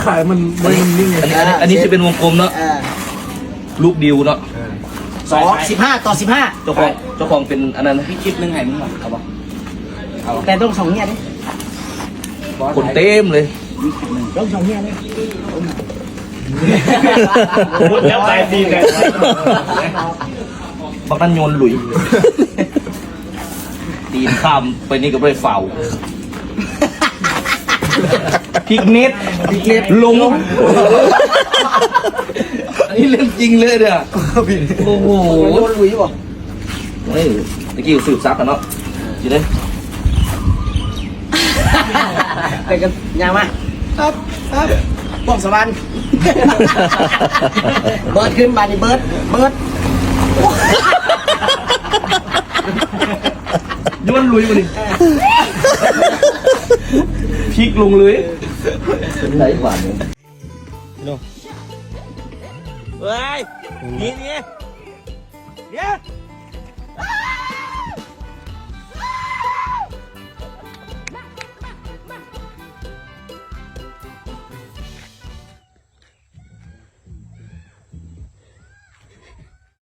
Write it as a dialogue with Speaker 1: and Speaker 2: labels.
Speaker 1: ขายมันไม่นิ่ง
Speaker 2: อันนี้จะเป็นวงกลมเนาะลูกดิวเนาะ
Speaker 3: 15
Speaker 2: เจ้าของเป็นอันนั้นพี่คิดนึงให้มึงเอาปะ
Speaker 3: แต่ต้อง2เนี่ยดิ
Speaker 2: คนเต็มเลย
Speaker 3: ต้อง2เนี่ยดิ
Speaker 1: พูดแล้วตายดีเลย
Speaker 2: บักนั่นโยนหลุยตีนข้ามไปนี่ก็ไม่ได้เฝ้าพริกเน็ตลงอันนี้เรื่องจริงเลยเนี่ยโอ้โห
Speaker 3: โดนลุยบ่
Speaker 2: เฮ้ยตะกี้สืบซักกันเนาะจีเด้
Speaker 3: ไปกันยาวมาครับป้องสวรรค์เบิร์ดขึ้นบานี่เบิร์ด
Speaker 2: โยนลุยมาดิพริกลงเลยไหนหวานเนี่ย
Speaker 1: เฮ้ยนี่เนี่ย